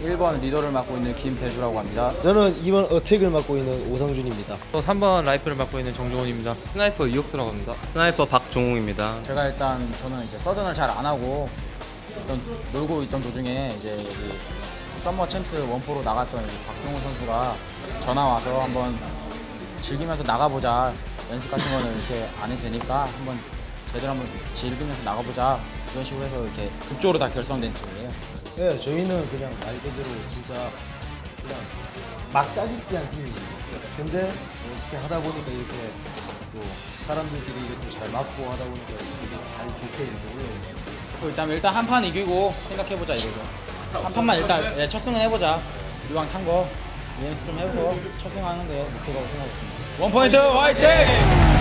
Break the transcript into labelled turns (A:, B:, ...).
A: 1번 리더를 맡고 있는 김대주라고 합니다.
B: 저는 2번 어택을 맡고 있는 오상준입니다.
C: 또 3번 라이프를 맡고 있는 정종훈입니다.
D: 스나이퍼 이혁수라고 합니다. 스나이퍼 박종웅입니다.
A: 제가 일단 저는 이제 서든을 잘 안 하고 놀고 있던 도중에 이제 그 썸머 챔스 원포로 나갔던 이제 박종훈 선수가 전화 와서 한번 즐기면서 나가보자. 연습 같은 거는 이렇게 안 해도 되니까 한번 제대로 한번 즐기면서 나가보자. 이런 식으로 해서 이렇게 급조로 다 결성된 팀이에요.
B: 예, 저희는 그냥 말 그대로 진짜 그냥 막 짜집기한 팀입니다. 근데 어떻게 하다 보니까 이렇게 또 사람들끼리 이렇게 잘 맞고 하다 보니까 이렇게 잘 좋게 이렇게 올라오죠.
A: 일단 한 판 이기고 생각해보자 이거죠. 한 판만 일단 첫 승은 해보자. 이왕 탄 거 연습 좀 해서 첫 승하는 게 목표라고 생각했습니다. 원포인트 화이팅!